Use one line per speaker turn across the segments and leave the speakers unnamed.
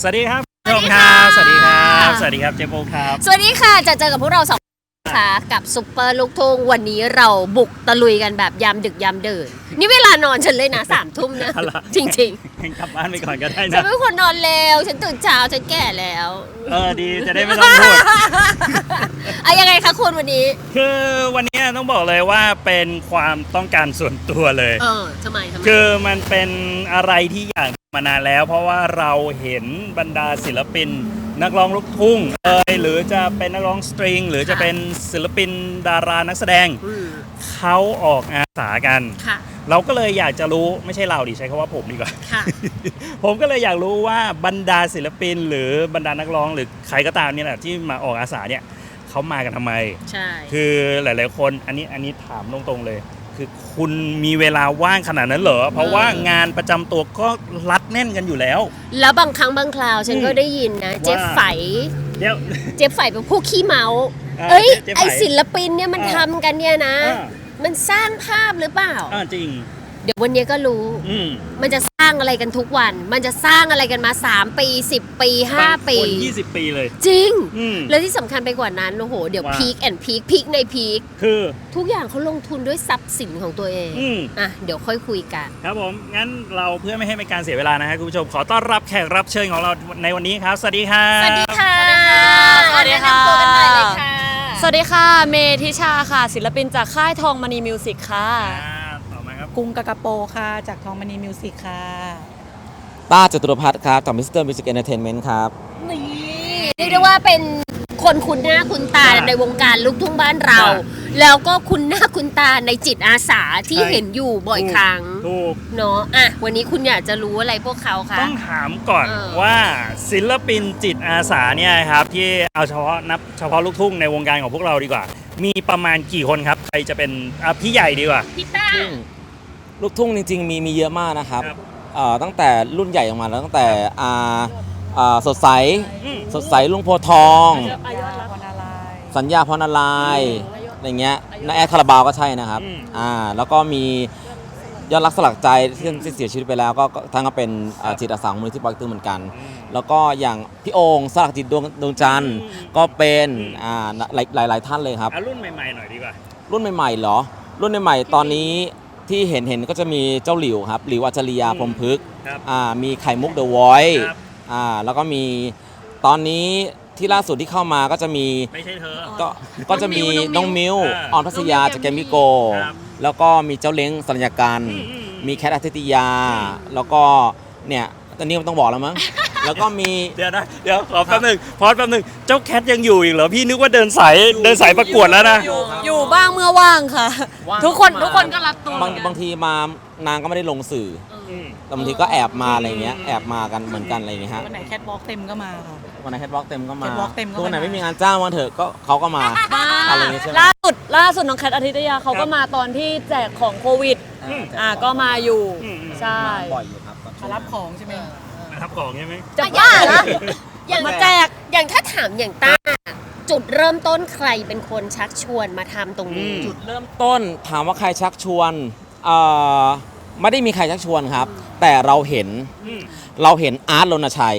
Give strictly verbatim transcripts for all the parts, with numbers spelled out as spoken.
วัสดีครับผู้ชมครับสวัสดีครับสวัสดีครับเจมโบครับ
สวัสดีค่ะจะเจอกับพวกเราสองค่ะกับซุปเปอร์ลูกทุ่งวันนี้เราบุกตะลุยกันแบบยามดึกยามเดินนี่เวลานอนฉันเลยนะสามทุ่มนะจริง
ๆกลับบ้านไปก่อนก็ได้นะ
ฉันเป็นคนนอนเร็วฉันตื่นเช้าฉันแก่แล้ว
เออดีจะได้ไม่ต้องพูด
อะยังไงคะคุณวันนี้
คือวันนี้ต้องบอกเลยว่าเป็นความต้องการส่วนตัวเลย
เออทำไมทำไม
คือมันเป็นอะไรที่อยากมานานแล้วเพราะว่าเราเห็นบรรดาศิลปินนักร้องลูกทุ่งเอยหรือจะเป็นนักร้องสตริงหรือจะเป็นศิลปินดารานักแสดงเขาออกอาสากันเราก็เลยอยากจะรู้ไม่ใช่เราดิใช้คำว่าผมดีกว่าผมก็เลยอยากรู้ว่าบรรดาศิลปินหรือบรรดานักร้องหรือใครก็ตามเนี่ยแหละที่มาออกอาสาเนี่ยเขามากันทำไม
ใช่
คือหลายๆคนอันนี้อันนี้ถามตรงๆเลยคือคุณมีเวลาว่างขนาดนั้นเหรอเพราะว่างานประจำตัวก็รัดแน่นกันอยู่แล้ว
แล้วบางครั้งบางคราวฉันก็ได้ยินนะเจ๊ไฝเจ๊ไฝเป็นผู้ขี้เมาเอ้ยไอศิลปินเนี่ยมันทำกันเนี่ยนะมันสร้างภาพหรือเปล่า
จริง
เดี๋ยววันนี้ก็รู้มันจะสร้างอะไรกันทุกวันมันจะสร้างอะไรกันมาสามปีสิบปีห้าปี
ยี่สิบปีเลย
จริงแล้วที่สำคัญไปกว่านั้นโอ้โหเดี๋ยวพีคแอนด์พีคพีคในพีค
คือ
ทุกอย่างเขาลงทุนด้วยทรัพย์สินของตัวเองอ่ะเดี๋ยวค่อยคุยกัน
ครับผมงั้นเราเพื่อไม่ให้เป็นการเสียเวลานะฮะคุณผู้ชมขอต้อนรับแขกรับเชิญของเราในวันนี้ครับสวัสดีครับ
สวัสดีค่ะ
สวัสดีค่ะ
สวัสดี
ค่ะเมธิชาค่ะศิลปินจากค่ายทองมณีมิวสิกค่ะ
กุ้งกากาโปค่ะจากทองมณีมิวสิกค่ะ
ต้าจตุรพัฒน์ครับจากมิสเตอร์มิวสิกเอนเตอร์เทนเมนต์ครับ
นี่เรียกได้ว่าเป็นคนคุ้นหน้าคุ้นตาในวงการลูกทุ่งบ้านเราแล้วก็คุ้นหน้าคุ้นตาในจิตอาสาที่เห็นอยู่บ่อยครั้งเนาะอ่ะวันนี้คุณอยากจะรู้อะไรพวกเขาคะ
ต้องถามก่อนว่าศิลปินจิตอาสาเนี่ยครับที่เอาเฉพาะนับเฉพาะลูกทุ่งในวงการของพวกเราดีกว่ามีประมาณกี่คนครับใครจะเป็นพี่ใหญ่ดีกว่า
พี่ต้า
ลูกทุ่งจริงๆมีมีเยอะมากนะครับตั้งแต่รุ่นใหญ่ออกมาแล้วตั้งแต่สดใสสดใสลุงโพทองสัญญาพรนารายณ์อะไรเงี้ยน้าแอดคาราบาวก็ใช่นะครับอ่าแล้วก็มียอดรักสลักใจที่เสียชีวิตไปแล้วก็ทั้งก็เป็นจิตอาสาของมูลนิธิปอเต็กตึงเหมือนกันแล้วก็อย่างพี่โองสลักจิตดวงดวงจันทร์ก็เป็นอ่าหลายหลายท่านเลยครับ
รุ่นใหม่ๆหน่อยดีกว่า
รุ่นใหม่ๆเหรอรุ่นใหม่ๆตอนนี้ที่เห็นเห็นก็จะมีเจ้าหลิวครับหลิวอัจฉริยาพรหมพฤกษ์อ่ามีไข่มุกเดอะวอยซ์อ่าแล้วก็มีตอนนี้ที่ล่าสุดที่เข้ามาก็จะมี
ไม่ใช่เธอ
ก็ก็จะมีน้องมิวออนพัสยาจากแกมมิโกแล้วก็มีเจ้าเล้งสัญญาการมีแคทอาทิตยาแล้วก็เนี่ยตอนนี้มันต้องบอกแล้วมั้งแล้วก็มี
เดี๋ยวนะเดี๋ยวขอแป๊บนึงพอแป๊บนึงเจ้าแคทยังอยู่อีกเหรอพี่นึกว่าเดินสายเดินสายประกวดแล้วนะ
อยู่บ้างเมื่อว่างค่ะทุกคนทุกคนก็รับตัว
บางบางทีมานางก็ไม่ได้ลงสื่อบางทีก็แอบมาอะไรเงี้ยแอบมากันเหมือนกันอะไรเงี้ยฮะ
วันไหนแคทวอล์กเต็มก็มาค่ะ
วันไหนแคทวอล์กเต็มก็มา
ตั
วไหนไม่มีงานจ้างวันเถอะก็เขาก็มาอะไรเงี้ยใช่ไหม
ล่าสุดล่าสุดน้องแคทอาทิตยาเขาก็มาตอนที่แจกของโควิดอ่าก็มาอยู่ใช่
บ่อยอยู่ครับ
มารับของใช่ไหม
มารับของใช่ไหม
จะบ้าเหรออย่างมาแจกอย่างถ้าถามอย่างต้าจุดเริ่มต้นใครเป็นคนชักชวนมาทำตรงนี้
จุดเริ่มต้นถามว่าใครชักชวนเอ่อไม่ได้มีใครชักชวนครับแต่เราเห็นเราเห็นอาร์ตรณชัย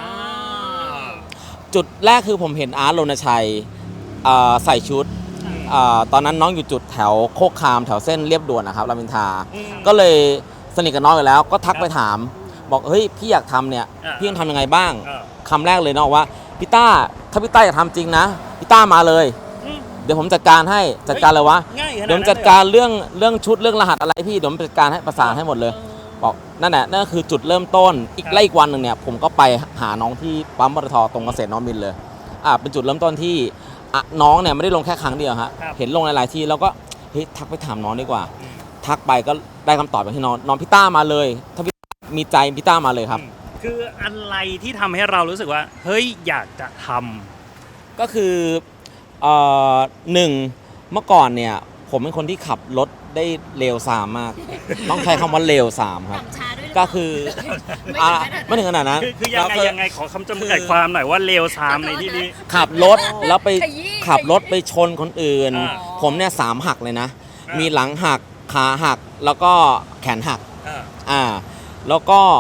จุดแรกคือผมเห็นอาร์ตรณชัยใส่ชุดตอนนั้นน้องอยู่จุดแถวโคกคามแถวเส้นเรียบด่วนนะครับรามอินทราก็เลยสนิทกับน้องอยู่แล้วก็ทักไปถามบอกเฮ้ยพี่อยากทำเนี่ยพี่ต้องทำยังไงบ้างคำแรกเลยเนาะว่าพี่ต้าถ้าพี่ต้าอยากทำจริงนะพี่ต้ามาเลยเดี๋ยวผมจัดการให้จัดการเลยวะเดี๋ยวผมจัดการเรื่องเรื่องชุดเรื่องรหัสอะไรพี่เดี๋ยวผมจัดการให้ประสานให้หมดเลยบอกนั่นแหละนั่นคือจุดเริ่มต้นอีกไล่อีกวันหนึ่งเนี่ยผมก็ไปหาน้องที่ปั๊มปตทตรงเกษตรน้องมินเลยอ่าเป็นจุดเริ่มต้นที่น้องเนี่ยไม่ได้ลงแค่ครั้งเดียวฮะเห็นลงหลายๆที่แล้วก็เฮ้ยทักไปถามน้องดีกว่าทักไปก็ได้คำตอบอย่างที่น้องน้องพี่ต้ามาเลยถ้าพี่มีใจพี่ต้ามาเลยครับ
คืออะไรที่ทำให้เรารู้สึกว่าเฮ้ยอยากจะทำ
ก็คือเอ่อหนึ่งเมื่อก่อนเนี่ยผมเป็นคนที่ขับรถได้เร็วสามมากต้องใช้คำว่าเร็วสามครับก็คือไม่ถึงขนาดนั้น
คือยังไงยังไงขอคำจำกัดความหน่อยว่าเร็วสามในที่นี้
ขับรถแล้วไปขับรถไปชนคนอื่นผมเนี่ยสามหักเลยนะมีหลังหักขาหักแล้วก็แขนหักอ่าแล้วก็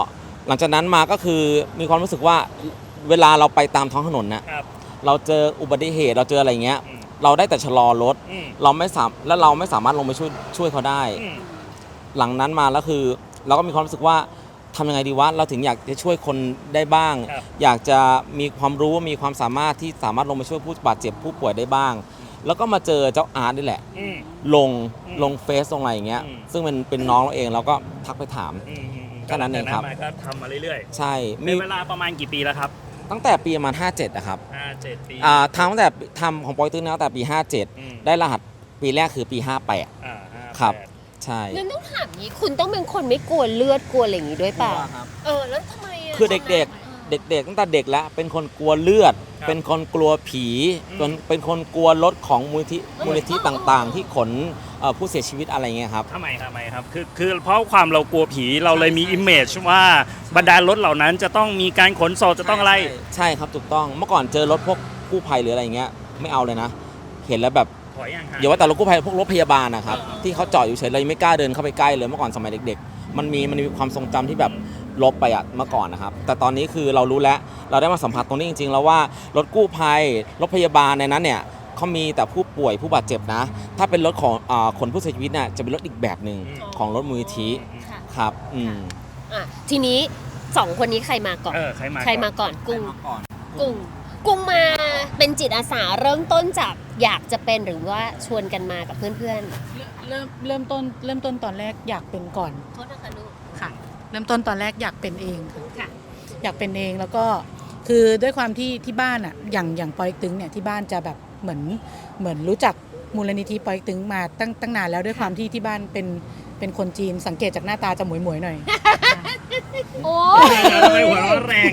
หลังจากนั้นมาก็คือมีความรู้สึกว่าเวลาเราไปตามท้องถนนนะครับ เราเจออุบัติเหตุเราเจออะไรเงี้ย
อืม
เราได้แต่ชะลอรถ
อืม
เราไม่สามและเราไม่สามารถลงไปช่วยช่วยเขาได้
อืม
หลังนั้นมาแล้วคือเราก็มีความรู้สึกว่าทำยังไงดีวะเราถึงอยากจะช่วยคนได้บ้าง
ครับ
อยากจะมีความรู้มีความสามารถที่สามารถลงไปช่วยผู้บาดเจ็บผู้ป่วยได้บ้าง แล้วก็มาเจอเจ้าอาร์ตนี่แหละ
อืม
ลง
อืม
ลงเฟซลงอะไรอย่างเงี้ย
อืม
ซึ่งมันเป็นน้องเราเองเราก็ทักไปถาม
อืมอืมอืม
แค่นั้นเองครับ
จากมาก็ทำมาเรื่อย
ใช่
ๆ
มี
เป็นเวลาประมาณกี่ปีแล้วครับ
ตั้งแต่ปีประมาณห้าเจ็ดนะครับ
ห้าเจ็ดปี
อ่าทำตั้งแต่ทำของปอยตื้นตั้งแต่ปีห้าเจ็ด
อืม
ได้รหัสปีแรกคือปีห้าแปด
อ่าห้า
ครับ
แปด
ใช่
งั้นต้องถามนี้คุณต้องเป็นคนไม่กลัวเลือดกลัวอะไรอย่างงี้ด้วยเปล่าเออแล้วทำไมะ
คือเด็กๆ เด็กๆตั้งแต่เด็กแล้วเป็นคนกลัวเลือด
ครับ
เป็นคนกลัวผี
อืม
เป็นเป็นคนกลัวรถของมูลนิธิมูลนิธิต่างๆ ที่ขนเอ่อผู้เสียชีวิตอะไรเงี้ยครับ
ทำไมทำไมครับ คือคือเพราะความเรากลัวผีเราเลยมีอิมเมจว่าบรรดารถเหล่านั้นจะต้องมีการขนศพจะต้องอะไร
ใช่ใช่ครับถูกต้องเมื่อก่อนเจอรถพวกกู้ภัยหรืออะไรเงี้ยไม่เอาเลยนะ เห็นแล้วแบบ
ถอยอย่างห่าง
อย่าว่าแต่รถกู้ภัยพวกรถพยาบาลนะครับ
อ่า
ที่เขาจอดอยู่เฉยเรายังไม่กล้าเดินเข้าไปใกล้เลยเมื่อก่อนสมัยเด็กๆ มันมีมันมีความทรงจำที่แบบลบไปอะเมื่อก่อนนะครับแต่ตอนนี้คือเรารู้แล้วเราได้มาสัมผัสตรงนี้จริงๆ แล้วว่ารถกู้ภัยรถพยาบาลในนั้นเนี่ยเขามีแต่ผู้ป่วยผู้บาดเจ็บนะ ถ้าเป็นรถของอ่าขนผู้เสียชีวิตเนี่ยจะเป็นรถอีกแบบหนึ่งของรถมูลนิธิ
ค่ะ
ครับอืม
อ่ะทีนี้สองคนนี้ใครมาก่อน
เออใครมา
ใครมาก่อนกุ้ง
ก่อน
กุ้งกุ้งมาเป็นจิตอาสาเริ่มต้นจากอยากจะเป็นหรือว่าชวนกันมากับเพื่อน
เริ่มเริ่มต้นเริ่มต้นตอนแรกอยากเป็นก่อน
ๆโทษนะคะลูก
ค่ะ เริ่มต้นตอนแรกอยากเป็นเองค่ะ
ค่ะ
อยากเป็นเองแล้วก็คือด้วยความที่ที่บ้านอ่ะอย่างอย่างปอยตึงเนี่ยที่บ้านจะแบบเหมือนเหมือนรู้จักมูลนิธิปอยตึงมาตั้งตั้งนานแล้วด้วยความที่ที่บ้านเป็นเป็นคนจีนสังเกตจากหน้าตาจะหมวยหมวยๆหน่อย
โอ้
ทำไมหัวเราะแรง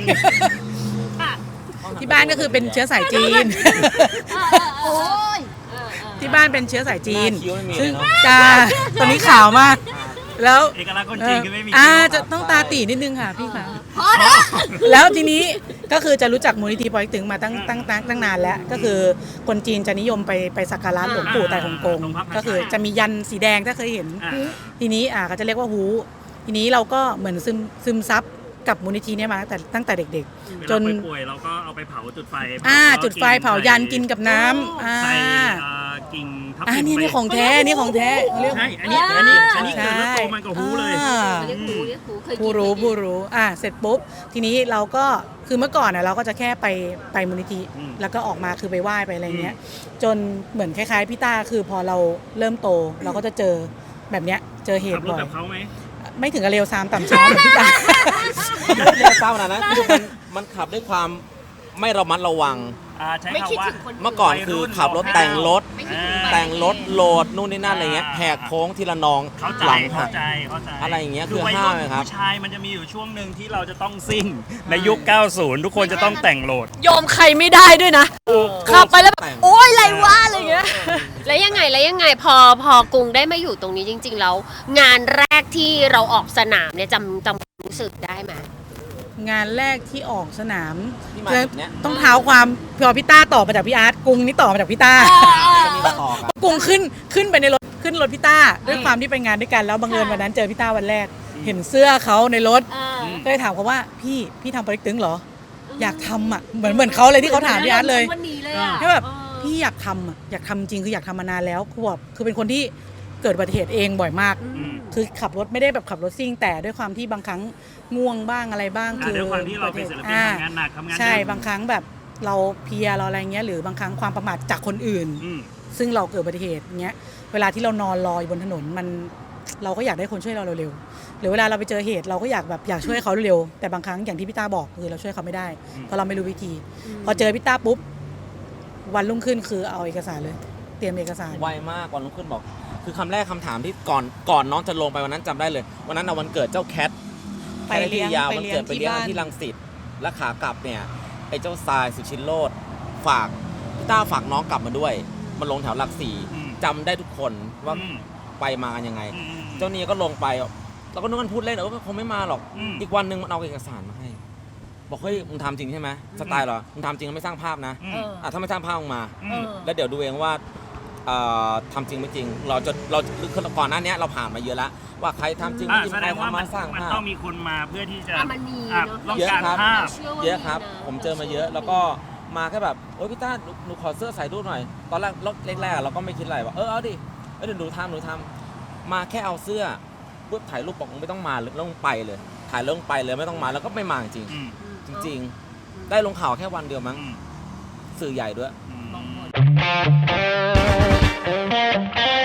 ที่บ้านก็คือเป็นเชื้อสายจีน
โอ้ย
ที่บ้านเป็นเชื้อสายจีน
หน้าคิ้วไม่มีเลย
ซึ่ง
เนอะ
จ้าตอนนี้ขาวมาก แล้ว
เอกลักษณ์คนจีนคือไม่มี
อ่า
คิ้ว
จะ
ครับ
ต้องตาตีนิดนึงค่ะพี่ค่ะแล้วทีนี้ก็คือจะรู้จักมูลนิธิปอยตึงมาตั้งตั้งตั้งตั้งนานแล้ว ก็คือคนจีนจะนิยมไปไปสักการะหลวงปู่ไต่ฮงกง
ตรงพระพาชัย
ก็คือจะมียันสีแดงถ้าเคยเห็น
อ่า
ทีนี้อ่าก็จะเรียกว่าฮูทีนี้เราก็เหมือนซึมซึมซับกับมูลนิธิเนี้มาตั้งแต่ตั้งแต่เด็ก
เว
จ
ลาน ป่วยๆเราก็เอาไปเผาจุดไฟ
ๆ อ่า
แล้ว
จุดไฟเผายันกินกับน้ำอ่า
ใส่เอ่อกิ่งทับ
อ่า
ทิม
นี่
ไป
นี่ของแท้นี่ของแท้เขาเรียก
ใช่อันนี้อันนี้อันนี้เกิดแล้วโตมันกับหูเลย
อ่า
เรียกหูเรียกหูเคยกิน
ผู้รู้
เคยกิน
ผู้รู้อ่ะเสร็จปุ๊บ ทีนี้เราก็คือเมื่อก่อนน่ะเราก็จะแค่ไปไปมูลนิธิ
อืม
แล้วก็ออกมาคือไปไหว้ไปอะไรเงี้ย จนเหมือนคล้ายๆพี่ต้าคือพอเราเริ่มโต เราก็จะเจอแบบเนี้ยเจอเห
ขับ
ตุ
รถ
บ่อย
แบบเขาไหม
ไม่ถึงกับเร็วซามต่ำช้าเหมือนพี่ต้า
เรียกเศร้าขนาดนั้นคือมันมันขับด้วยความไม่ระมัดระวัง
อ่าใช้
ไม่คิด
คำว่า
ถึงคน
เมื่อก่อนคือขับรถแต่งรถ
ไม่คิดถึง
แต่งรถโหลดนู่นนี่นั่นอะไรเงี้ย
อ่า
แหกโค้งทีละนอง
เข้าใจ
หลัง
เข้า
หัก
ใจเข้าใจ
อะไรอย่างเงี้ย
คือ
คือ
วัย
ห้า
รุ่น
เลยครับ
ผู้ชายมันจะมีอยู่ช่วงหนึ่งที่เราจะต้องซิ่งในยุค เก้าสิบ ทุกคนจะต้องแต่งโหลด
ยอมใครไม่ได้ด้วยนะขับไปแล้วแบบ
แต่ง
โอ๊ยอะไรวะอะไรเงี้ย
แล้วยังไงแล้วยังไงพอพอกรุงได้มาอยู่ตรงนี้จริง ๆ แล้ว งานแรกที่เราออกสนามเนี่ยจำจำรู้สึกได้ไหม
งานแรกที่ออกสนาม
ที่มาจุดเนี้ย
ต้องเท้าความพอพี่ต้าต่อมาจากพี่อาร์ตกรุงนี่ต่อมาจากพี่ต้า
จะมีมาต่อกัน
กรุงขึ้นขึ้นไปในรถขึ้นรถพี่ต้าด้วยความที่ไปงานด้วยกันแล้วบังเอิญวันนั้นเจอพี่ต้าวันแรก เห็นเสื้อเขาในรถ
อ่า
ก็เลยถามเขาว่าพี่พี่ทำโปรเจกต์ตึงเหรอ อยากทำอ่ะเหมือนเหมือนเขาเลยที่เขาถามพี่อาร์ตเลย
วันนี้เลยอะ
ให้แบบพี่อยากทำอ่ะอยากทำจริงคืออยากทำมานานแล้วคือแบบคือเป็นคนที่เกิดอุบัติเหตุเองบ่อยมาก
อืม
คือขับรถไม่ได้แบบขับรถซิ่งแต่ด้วยความที่บางครั้งง่วงบ้างอะไรบ้าง
อ่า
คือ
ด้วยความที่เราเป็นศิลปิน
อ่
ทำงานหนักทำงาน
ใช่
เยอะ
บางครั้งแบบเราเพลียเราอะไรเงี้ยหรือบางครั้งความประมาทจากคนอื่น
อืม
ซึ่งเราเกิดอุบัติเหตุเงี้ยเวลาที่เรานอนรออยู่บนถนนมันเราก็อยากได้คนช่วยเราเร็วๆหรือเวลาเราไปเจอเหตุเราก็อยากแบบอยากช่วยเขาเร็วๆแต่บางครั้งอย่างที่พี่ต้าบอกคือเราช่วยเขาไม่ได้
อืม
เพราะเราไม่รู้วิธี พอเจอพี่ต้าปุ๊บวันรุ่งขึ้นคือเอาเอกสารเลย เตรียมเอกสาร
ไวมากวันรุ่งขึ้นบอก คือคำแรกคำถามที่ก่อนก่อนน้องจะลงไปวันนั้นจำได้เลย วันนั้นเอาวันเกิดเจ้าแคท
ไปเลี้ยง
แคทยาว
ไป
วัน
เลี้ยง
เกิดไปเลี้ยง
ที่บ้าน
ที่รังสิตและขากลับเนี่ยไอ้เจ้าทรายสุชินโรดฝากพี่ต้าฝากน้องกลับมาด้วยมาลงแถวหลักสี่
อืม
จำได้ทุกคนว่า
อืม
ไปมากันยังไง
อืม
เจ้าเนียก็ลงไปเราก็นึกว่ามันพูดเล่นเออคงไม่มาหรอก
อืม
อีกวันหนึ่งมันเอาเอกสารมาให้ บอกเฮ้ยมึงทำจริงใช่ไหมสไตล์เหรอมึงทำจริงแล้วไม่สร้างภาพนะ
อืม
เออ
อ่ะถ้าไม่สร้างภาพมึงมา
อื
เอ
ม
อ
แล้วเดี๋ยวดูเองว่าเอ่อทำจริงไม่จริง เราจะเราคือก่อนหน้านี้เราผ่านมาเยอะแล้วว่าใครทำจริงไม่
อ่ะ
จริง
แส
ใค
ด
รง
ว่า
ทำ
มั
มาน สร้าง
มัน
ภาพ
ต้องมีคนมาเพื่อที่จะ
อ่ะมันมี
อ่ะ
เนอะ
ต้อง
เยอะ
การ
ครับ
ภาพ
เชื่อว่า
เยอะครับ
มีนะ
ผมเจอมาเยอะ แล้วก็มาแค่แบบโอ๊ยพี่ต้าหนูหนูขอเสื้อใส่รูปหน่อย ตอนแรกแรกๆเราก็ไม่คิดอะไรว่าเออเอาดิเออเดี๋ยวหนูทำหนูทำมาแค่เอาเสื้อปุ๊บถ่ายรูปบอกไม่ต้องมาเลยต้องไปเลย ถ่ายลงไปเลยไม่ต้องมาแล้วก็ไม่มาจริง
อืม
จริง ๆ ได้ลงข่าวแค่วันเดียวมั้ง
อืม
สื่อใหญ่ด้วย
อืม